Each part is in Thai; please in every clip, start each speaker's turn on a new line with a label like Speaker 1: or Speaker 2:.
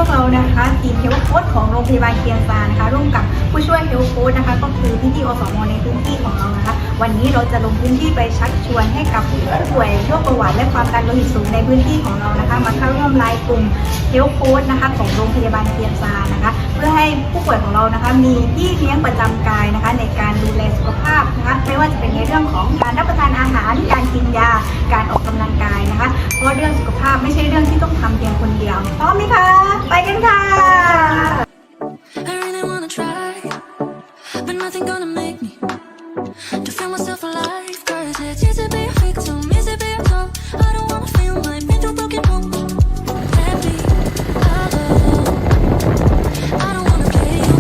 Speaker 1: วกเรานะคะทีมเฮลท์โค้ชของโรงพยาบาลเคียงซานะคะร่วมกับผู้ช่วยเฮลท์โค้ชนะคะก็คือพี่ๆอสม.ในพื้นที่ของเรานะคะวันนี้เราจะลงพื้นที่ไปชักชวนให้กับผู้ป่วยโรคเบาหวานและความดันโลหิตสูงในพื้นที่ของเรานะคะมาเข้าร่วมไลน์กลุ่มเฮลท์โค้ชนะคะของโรงพยาบาลเคียงซานะคะเพื่อให้ผู้ป่วยของเรานะคะมีพี่เลี้ยงประจำกายนะคะในการดูแลสุขภาพนะคะไม่ว่าจะเป็นในเรื่องของการรับประทานอาหารการกินยาการออกกำลังกายนะคะเพราะเรื่องสุขภาพไม่ใช่เรื่องที่ต้องทำเพียงคนเดียวพร้อมไหมคะไปกันค่ะ
Speaker 2: I really wanna try, but nothing gonna make me to feel myself alive. 'Cause it's easy to be a victim, easy to be a clown. I don't wanna feel like been through broken homes. Let me alone. I don't wanna play you.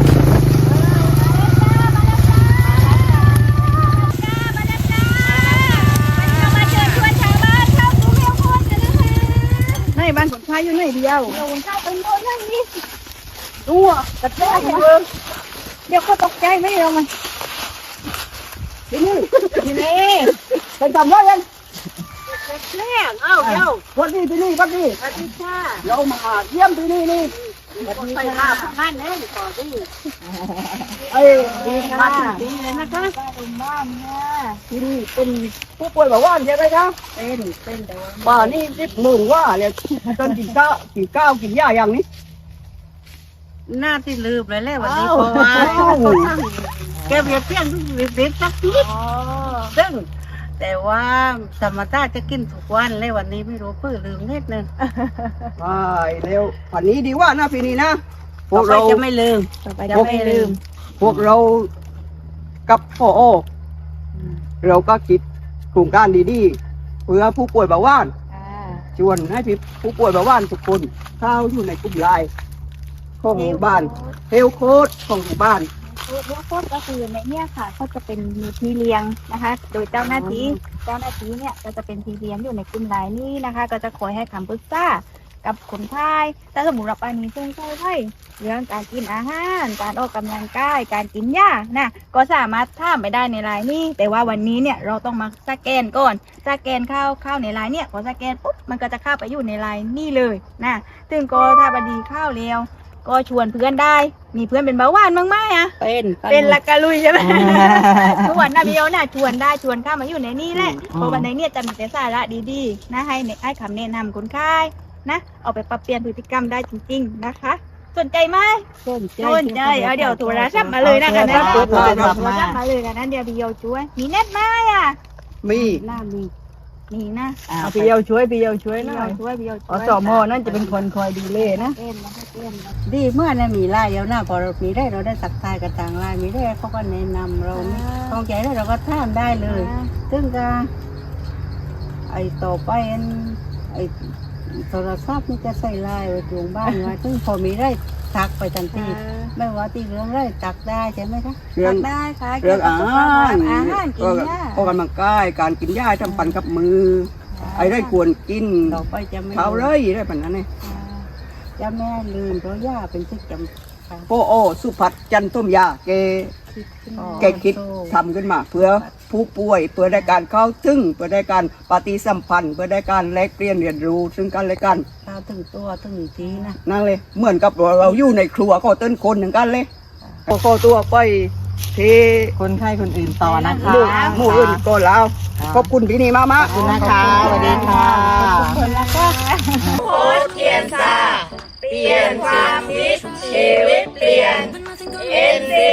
Speaker 3: ในบ้านคนไทยอยู่ไหนเดียว
Speaker 1: เดี๋ยวเจ้าเป็นคนนั่งนี่
Speaker 3: ตัวกระแทกเมืองเดี๋ยวเขาตกใจไหมเรามันที่นี่ที่นี่เป็นทำไรกันแม่เอ้าเดี๋ยววันนี้ที่นี่วันนี้สวัสดีค่ะเรามาเยี่ยมที่นี่นี่ไปหาพนักงานเลยต่อที่ดีค่ะดีเลยนะคะบ้านเนี่ยที่นี่เป็นผู้ป่วยเบาหวานใช่ไหมครับเป็นแต่ว่าบ้านนี่10,000ว่าเนี่ยจนกินข้าวกินยาอย่างนี้หน้าที่ลืมเลยแหละวันนี้เพราะว่าแกเบียดเพี้ยนทุกวิบสักทีซึ่งแต่ว่าธรรมชาติจะกินทุกวันเลยวันนี้ไม่รู้เพื่อลืมนิดนึงใช่เร็ววันนี้ดีว่านะปีนี้นะพวกเราจะไม่ลืมพวกเรากับพ่อเราก็คิดโครงการดีๆเพื่อผู้ป่วยเบาหวานชวนให้ผู้ป่วยเบาหวานทุกคนเข้าอยู่ในกลุ่มไลน์ของหมู่บ้านเฮลโค้ดของหมู่บ้าน
Speaker 1: เฮลท์โค้ชก็คือในเนี่ยค่ะก็จะเป็นมีพี่เลี้ยงนะคะโดยเจ้าหน้าที่เนี่ยก็จะเป็นพี่เลี้ยงอยู่ในกลุ่มไลน์นี้นะคะก็จะคอยให้คำปรึกษากับคนไข้ถ้าสมมติเราไปมีเส้นไข้เรื่องการกินอาหารการออกกำลังกายการกินยานะก็สามารถถามไปได้ในไลน์นี้แต่ว่าวันนี้เนี่ยเราต้องมาสแกนก่อนสแกนเข้าในไลน์เนี่ยพอสแกนปุ๊บมันก็จะเข้าไปอยู่ในไลน์นี่เลยนะถึงก็ถ้าบดีเข้าเร็วก็ชวนเพื่อนได้มีเพื่อนเป็นเบาหวานบ้างไหมอ่ะเป็นละกะลุยใช่ไหมชวนนะพี่โอน่ะชวนได้ชวนเข้ามาอยู่ในนี่แหละเพราะวันนี้เนี่ยจะมีแต่สาระดีๆนะให้คำแนะนำคนไข้นะเอาไปปรับเปลี่ยนพฤติกรรมได้จริงๆนะคะสนใจไหมสนใจเดี๋ยวโทรศัพท์มาเลยนะคะนะโทรศัพท์มาเลยนะเดี๋ยวพี่โอช่วยมีเน็ตไหมอ่ะมีนะ
Speaker 3: พี่เยาช่วยนะอสม.นั่นจะเป็นคนคอยดูแลนะดีเมื่อนั้นมีไล่เดียวหน้าพอเรามีได้เราได้สักทายกับต่างไล่มีได้เขาก็แนะนำเราต้องใจแล้วเราก็ท่ามได้เลยซึ่งก็ไอต่อไปไอโทรศัพท์นี่จะใส่ไล่ไว้ตรงบ้านไว้ซึ่งพอมีได้ทักไปทันทีไม่ว่าที่เรื่องได้ตักได้ใช่ไหมคะตักได้ค่ะเรื่องอาหารกินยาออกกำลังกายการกินยาทำปั่นกับมือไอ้ได้ควรกินต่อไปจะไม่เขาเลยได้ปัญหาเนี่ยจะแม่ลืมเพราะยาเป็นสิ่งจำโอสุภัทรจันทุ่มยาแกคิดทำขึ้นมาเพื่อผู้ป่วยเพื่อได้การเข้าถึงเพื่อได้การปฏิสัมพันธ์เพื่อได้การแลกเปลี่ยนเรียนรู้ซึ่งกันและกันเข้าถึงตัวถึงทีนะนั่นเลยเหมือนกับเราอยู่ในครัวก็ต้นคนหนึ่งกันเลยก็ตัวไปที่คนไข้คนอื่นต่อนะคะหมู่อื่นก็แล้วขอบคุณพี่นี่มากขอบคุณนะคะสวัสดีค่ะขอบคุณนะคะ
Speaker 4: โค้ชเคียนซาเปลี่ยนความคิดชีวิตเปลี่ยน NC